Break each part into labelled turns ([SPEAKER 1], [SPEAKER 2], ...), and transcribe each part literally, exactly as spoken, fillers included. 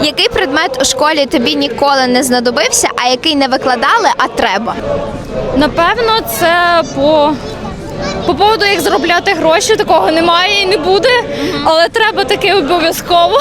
[SPEAKER 1] Який предмет у школі тобі ніколи не знадобився, а який не викладали, а треба?
[SPEAKER 2] Напевно, це по, по поводу, як заробляти гроші, такого немає і не буде, але треба таке обов'язково.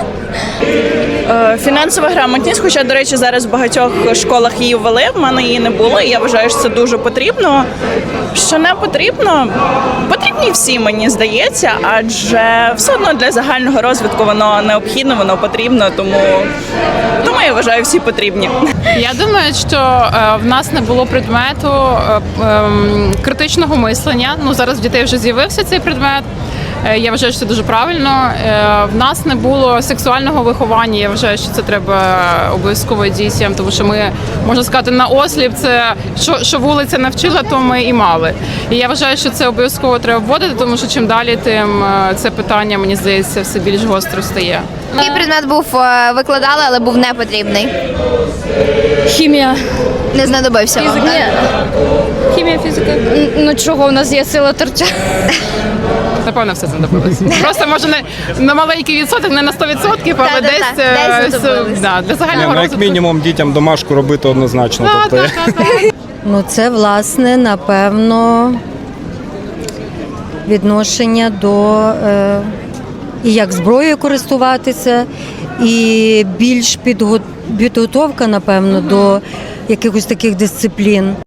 [SPEAKER 3] Е, Фінансова грамотність, хоча, до речі, зараз в багатьох школах її ввели, в мене її не було, і я вважаю, що це дуже потрібно. Що не потрібно? Потрібні всі, мені здається, адже все одно для загального розвитку воно необхідно, воно потрібно, тому, тому я вважаю, всі потрібні.
[SPEAKER 4] Я думаю, що е, в нас не було предмету е, е, критичного мислення. Ну, зараз в дітей вже з'явився цей предмет. Е, Я вважаю, що це дуже правильно. Е, В нас не було сексуального виховання. Я вважаю, що це треба обов'язково дітям, тому що ми, можна сказати, на осліп, це що, що вулиця навчила, то ми і мали. І я вважаю, що це обов'язково треба вводити, тому що чим далі, тим е, це питання, мені здається, все більш гостро стає.
[SPEAKER 1] Який предмет був е, викладали, але був не потрібний?
[SPEAKER 2] Хімія.
[SPEAKER 1] Не знадобився вам?
[SPEAKER 2] Ні. Хімія, фізика. Ну чого, у нас є сила торча.
[SPEAKER 4] Напевно, все знадобилось. Просто може не на маленький відсоток, не на сто відсотків, але
[SPEAKER 1] Да-да-да,
[SPEAKER 4] десь,
[SPEAKER 1] десь
[SPEAKER 4] е,
[SPEAKER 1] знадобилось.
[SPEAKER 4] с- да, для
[SPEAKER 5] Ні,
[SPEAKER 4] загального
[SPEAKER 5] ну, як
[SPEAKER 4] розвитку.
[SPEAKER 5] мінімум дітям домашку робити однозначно.
[SPEAKER 4] Так,
[SPEAKER 5] Тобто,
[SPEAKER 4] так, так, так.
[SPEAKER 6] Ну, це, власне, напевно, відношення до е, і як зброєю користуватися, і більш підго- підготовка, напевно, до якихось таких дисциплін.